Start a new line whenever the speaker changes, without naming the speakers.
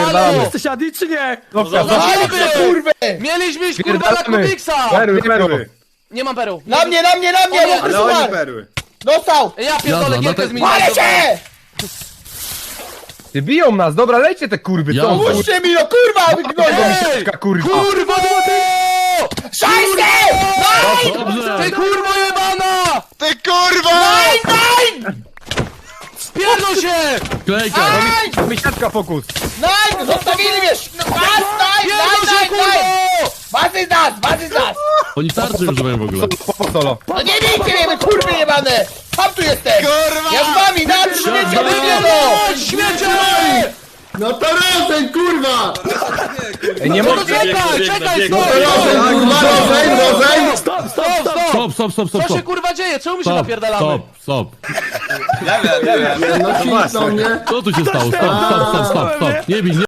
Spierdalamy.
Jesteś Adi czy nie?
No,
Walcie, kurwy!
Mieliśmy iść kurwa na Kubiksa!
Perły.
Nie mam peru.
Na mnie, mokry
Ale oni
suchar!
perły.
Dostał!
Ja pierdolę, gierkę z
Palę cię!
Ty biją nas, dobra, lejcie te kurwy, co?
Puśćcie mi, no kurwa, wygnoją!
Misiaczka, kurwa.
Kurwo!
Szajsy!
Ty kurwo jebana!
Ty kurwa!
Spierdol się!
Klejka!
Nine!
Misiaczka, fokus.
Nine! Zostawili mnie!
Spierdol się kurwo!
Was is nas!
Oni tarczy używają w ogóle.
Po solo.
No nie bijcie mnie, wy kurwy jebane! Sam tu jestem!
Kurwa!
Ja z wami, na śmiecie wyglądą!
Śmiecie!
No to rozeń, kurwa!
Ej, nie
No
mogę.
czekaj, stop!
Kurwa, rozeń!
Stop! Co się kurwa dzieje? Czemu my się napierdalamy?
Stop.
No, do mnie.
Co tu się stało? Stop. Nie bij,